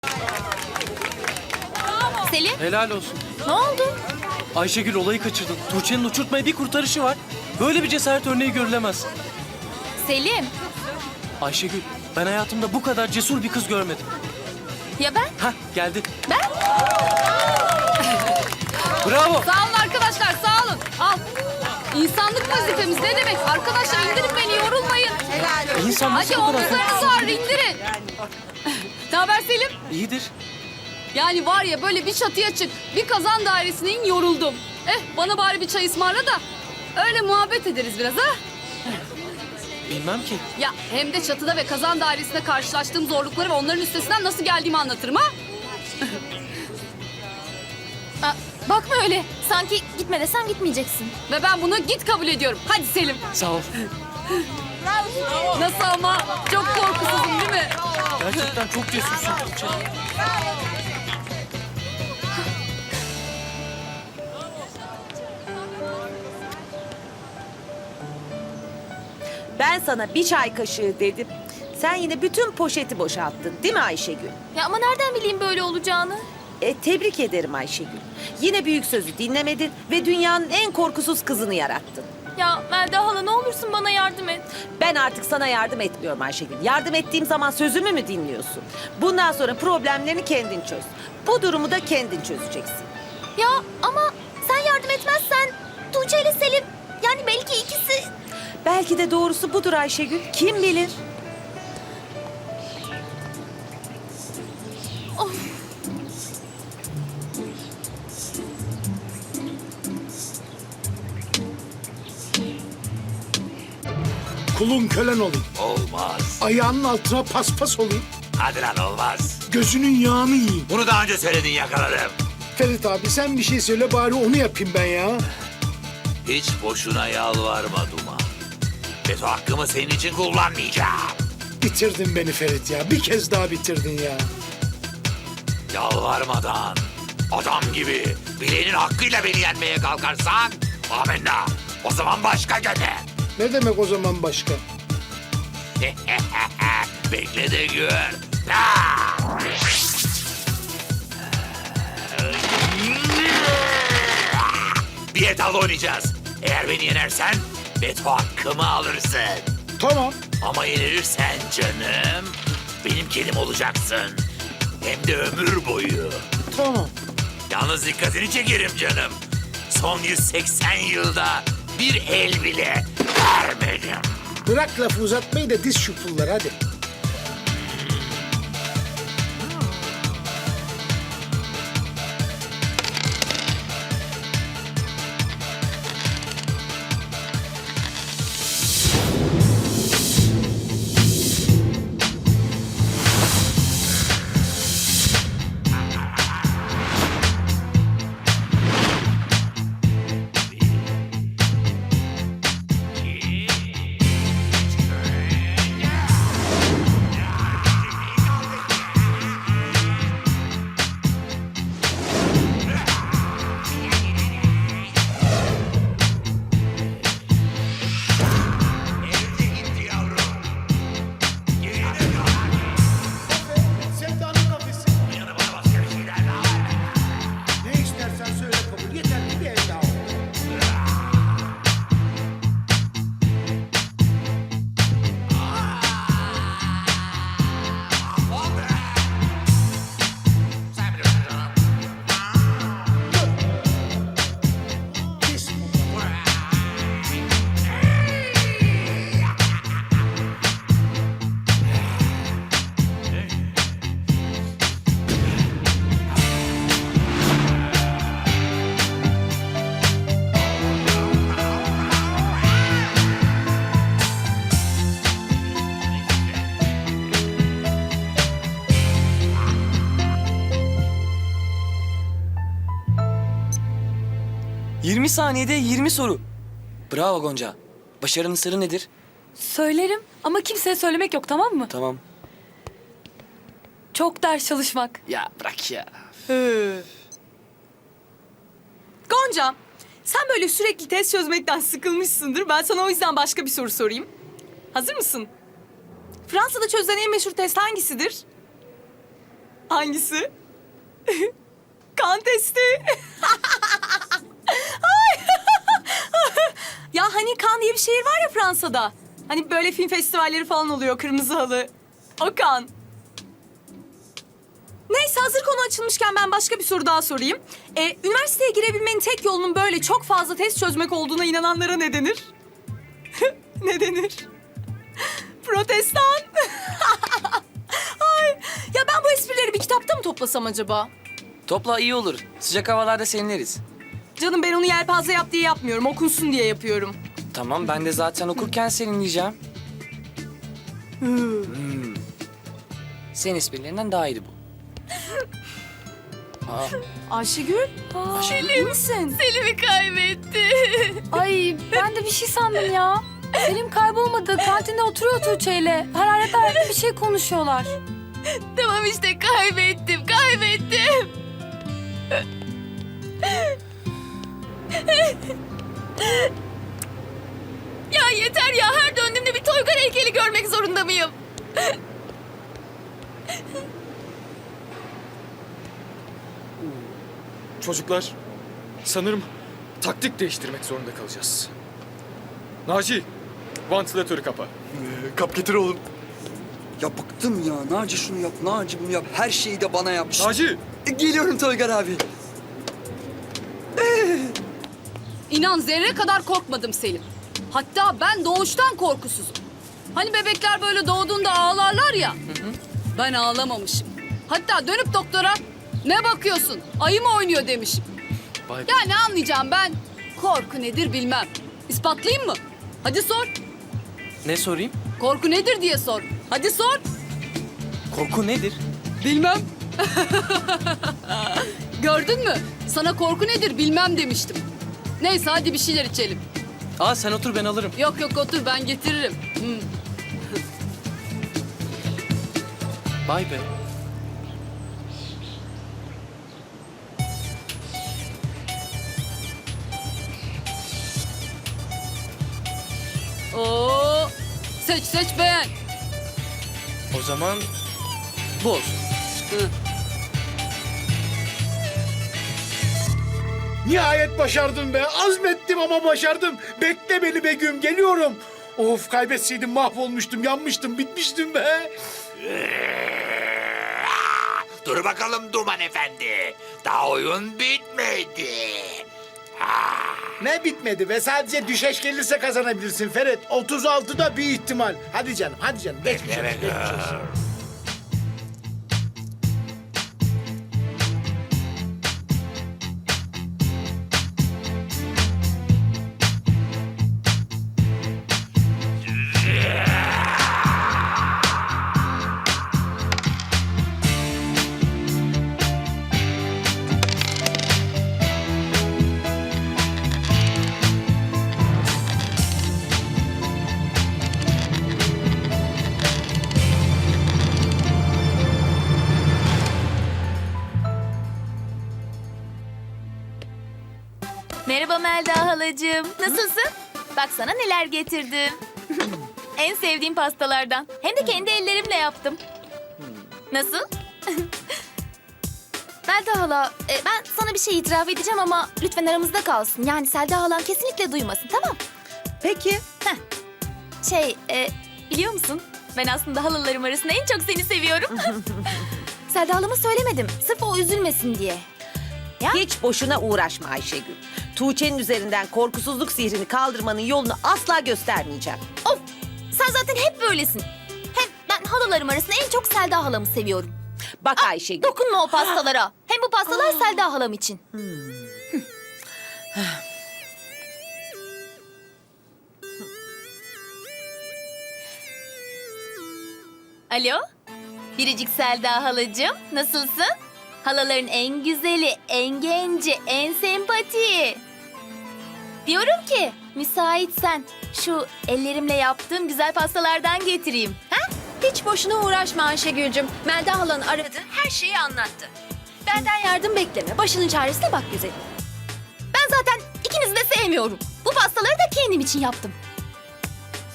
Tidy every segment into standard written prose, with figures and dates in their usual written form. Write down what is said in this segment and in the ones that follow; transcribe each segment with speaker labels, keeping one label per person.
Speaker 1: Selim,
Speaker 2: Helal olsun.
Speaker 1: ne oldu?
Speaker 2: Ayşegül olayı kaçırdın. Tuğçe'nin uçurtmaya bir kurtarışı var. Böyle bir cesaret örneği görülemez.
Speaker 1: Selim,
Speaker 2: Ayşegül, ben hayatımda bu kadar cesur bir kız görmedim.
Speaker 1: ya ben?
Speaker 2: Hah, geldi.
Speaker 1: Ben?
Speaker 2: Bravo.
Speaker 3: Sağ olun arkadaşlar, sağ olun. Al. İnsanlık vazifemiz ne demek? Arkadaşlar indirin beni, yorulmayın.
Speaker 2: İnsan nasıl
Speaker 3: Hadi
Speaker 2: bu kadar
Speaker 3: omuzlarınızı ağır, indirin. Ne haber Selim?
Speaker 2: İyidir.
Speaker 3: Yani var ya böyle bir çatıya çık, bir kazan dairesine in, yoruldum. Bana bari bir çay ısmarla da öyle muhabbet ederiz biraz ha.
Speaker 2: Bilmem ki.
Speaker 3: Ya hem de çatıda ve kazan dairesinde karşılaştığım zorlukları ve onların üstesinden nasıl geldiğimi anlatırım ha.
Speaker 1: Aa, bakma öyle. Sanki gitme desem gitmeyeceksin.
Speaker 3: Ve ben bunu git kabul ediyorum. Hadi Selim.
Speaker 2: Sağ ol.
Speaker 3: Nasıl ama? Çok korkusuzum değil mi?
Speaker 2: Gerçekten çok cesursun Tuğçe.
Speaker 4: Ben sana bir çay kaşığı dedim. Sen yine bütün poşeti boşalttın değil mi Ayşegül?
Speaker 1: Ya ama nereden bileyim böyle olacağını?
Speaker 4: Tebrik ederim Ayşegül. Yine büyük sözü dinlemedin ve dünyanın en korkusuz kızını yarattın.
Speaker 1: Ya Melda hala ne olursun bana yardım et.
Speaker 4: Ben artık sana yardım etmiyorum Ayşegül. Yardım ettiğim zaman sözümü mü dinliyorsun? Bundan sonra problemlerini kendin çöz. Bu durumu da kendin çözeceksin.
Speaker 1: Ya ama sen yardım etmezsen Tuğçe ile Selim, yani belki ikisi...
Speaker 4: Belki de doğrusu budur Ayşegül. Kim bilir?
Speaker 5: Kulun kölen olayım.
Speaker 6: Olmaz.
Speaker 5: Ayağının altına paspas olayım.
Speaker 6: Hadi lan olmaz.
Speaker 5: Gözünün yağını yiyeyim.
Speaker 6: Bunu daha önce söyledin, yakaladım.
Speaker 5: Ferit abi sen bir şey söyle bari onu yapayım ben ya.
Speaker 6: Hiç boşuna yalvarma Duman. Veto hakkımı senin için kullanmayacağım.
Speaker 5: Bitirdin beni Ferit ya. Bir kez daha bitirdin ya.
Speaker 6: Yalvarmadan, adam gibi bileğinin hakkıyla beni yenmeye kalkarsan... amenna. O zaman başka gene.
Speaker 5: Ne demek o zaman başka?
Speaker 6: Bekle de gör. Ha! Bir etal oynayacağız. Eğer beni yenersen veto hakkımı alırsın.
Speaker 5: Tamam.
Speaker 6: Ama yenilirsen canım benim kedim olacaksın. Hem de ömür boyu.
Speaker 5: Tamam.
Speaker 6: Yalnız dikkatini çekerim canım. Son 180 yılda bir el bile vermedim.
Speaker 5: Bırak lafı uzatmayı da diz şu pulları hadi. Sevdanın kafesi.
Speaker 6: Bana başka bir şeyler daha ver.
Speaker 5: Ne istersen söyle kabul. Yeter ki bir el daha ol.
Speaker 6: Sen biliyorsun canım.
Speaker 5: Pis.
Speaker 7: ...20 saniyede 20 soru. Bravo Gonca. Başarının sırrı nedir?
Speaker 3: Söylerim ama kimseye söylemek yok, tamam mı?
Speaker 7: Tamam.
Speaker 3: Çok ders çalışmak.
Speaker 7: Ya bırak ya.
Speaker 8: Gonca, sen böyle sürekli test çözmekten sıkılmışsındır. Ben sana o yüzden başka bir soru sorayım. Hazır mısın? Fransa'da çözülen en meşhur test hangisidir? Hangisi? Kan testi. Ay. Ya hani Cannes diye bir şehir var ya Fransa'da. Hani böyle film festivalleri falan oluyor, kırmızı halı. O Cannes. Neyse, hazır konu açılmışken ben başka bir soru daha sorayım. Üniversiteye girebilmenin tek yolunun böyle çok fazla test çözmek olduğuna inananlara ne denir? Ne denir? Protestan. Ay, ya ben bu esprileri bir kitapta mı toplasam acaba?
Speaker 7: Topla iyi olur. Sıcak havalarda serinleriz.
Speaker 8: Canım, ben onu yelpaze yap diye yapmıyorum, okunsun diye yapıyorum.
Speaker 7: Tamam ben de zaten okurken serinleyeceğim. Senin esprilerinden daha iyiydi bu. Aa,
Speaker 8: Ayşegül, iyi misin?
Speaker 3: Selim'i kaybetti.
Speaker 9: Ay ben de bir şey sandım ya. Selim kaybolmadı. Kantinde oturuyor Tuğçe'yle. Hararet hararet bir şey konuşuyorlar.
Speaker 3: Tamam işte kaybettim. Ya yeter ya, her döndüğümde bir Toygar heykeli görmek zorunda mıyım?
Speaker 10: Çocuklar, sanırım taktik değiştirmek zorunda kalacağız. Naci, vantilatörü kapa.
Speaker 11: Kap getir oğlum. Ya bıktım ya. Naci şunu yap, Naci bunu yap. Her şeyi de bana yap.
Speaker 10: Naci!
Speaker 11: Geliyorum Toygar abi.
Speaker 3: İnan zerre kadar korkmadım Selim. Hatta ben doğuştan korkusuzum. Hani bebekler böyle doğduğunda ağlarlar ya. Ben ağlamamışım. Hatta dönüp doktora ne bakıyorsun, ayı mı oynuyor demişim.
Speaker 2: Vay be.
Speaker 3: Ya ne anlayacağım ben? Korku nedir bilmem. İspatlayayım mı? Hadi sor.
Speaker 2: Ne sorayım?
Speaker 3: Korku nedir diye sor. Hadi sor.
Speaker 2: Korku nedir?
Speaker 3: Bilmem. Gördün mü? Sana korku nedir bilmem demiştim. Neyse hadi bir şeyler içelim.
Speaker 2: Aa sen otur ben alırım.
Speaker 3: Yok otur, ben getiririm.
Speaker 2: Vay be.
Speaker 3: Oo, seç beğen.
Speaker 2: O zaman bu olsun.
Speaker 5: Nihayet başardım be. Azmettim ama başardım. Bekle beni Begüm, geliyorum. Of, kaybetseydim mahvolmuştum, yanmıştım, bitmiştim be.
Speaker 6: Dur bakalım Duman Efendi. Daha oyun bitmedi.
Speaker 5: Ne bitmedi be? Sadece düşeş gelirse kazanabilirsin Ferit. 36'da bir ihtimal. Hadi canım, hadi canım. Geçmiş olsun,
Speaker 6: Evet.
Speaker 5: geçmiş olsun.
Speaker 1: Merhaba Melda halacığım. Nasılsın? Bak sana neler getirdim. En sevdiğim pastalardan. Hem de kendi ellerimle yaptım. Nasıl? Melda hala, ben sana bir şey itiraf edeceğim ama lütfen aramızda kalsın. Yani Selda halam kesinlikle duymasın, tamam?
Speaker 4: Peki.
Speaker 1: Biliyor musun? Ben aslında halalarım arasında en çok seni seviyorum. Selda halama söylemedim. Sırf o üzülmesin diye. Ya?
Speaker 4: Hiç boşuna uğraşma Ayşegül. Tuğçe'nin üzerinden korkusuzluk sihrini kaldırmanın yolunu asla göstermeyeceğim.
Speaker 1: Of! Sen zaten hep böylesin. Hem ben halalarım arasında en çok Selda halamı seviyorum.
Speaker 4: Bak Ayşegül.
Speaker 1: Dokunma o pastalara. Hem bu pastalar Selda halam için. Alo? Biricik Selda halacığım, nasılsın? Halaların en güzeli, en genci, en sempatiği. Diyorum ki, müsaitsen şu ellerimle yaptığım güzel pastalardan getireyim. Ha?
Speaker 9: Hiç boşuna uğraşma Ayşegül'cüm. Melda halan aradı, her şeyi anlattı. Benden yardım bekleme, başının çaresine bak güzelim.
Speaker 1: Ben zaten ikinizi de sevmiyorum. Bu pastaları da kendim için yaptım.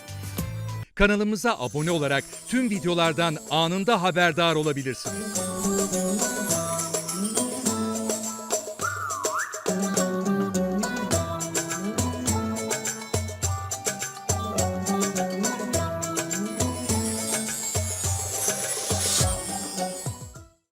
Speaker 12: Kanalımıza abone olarak tüm videolardan anında haberdar olabilirsiniz.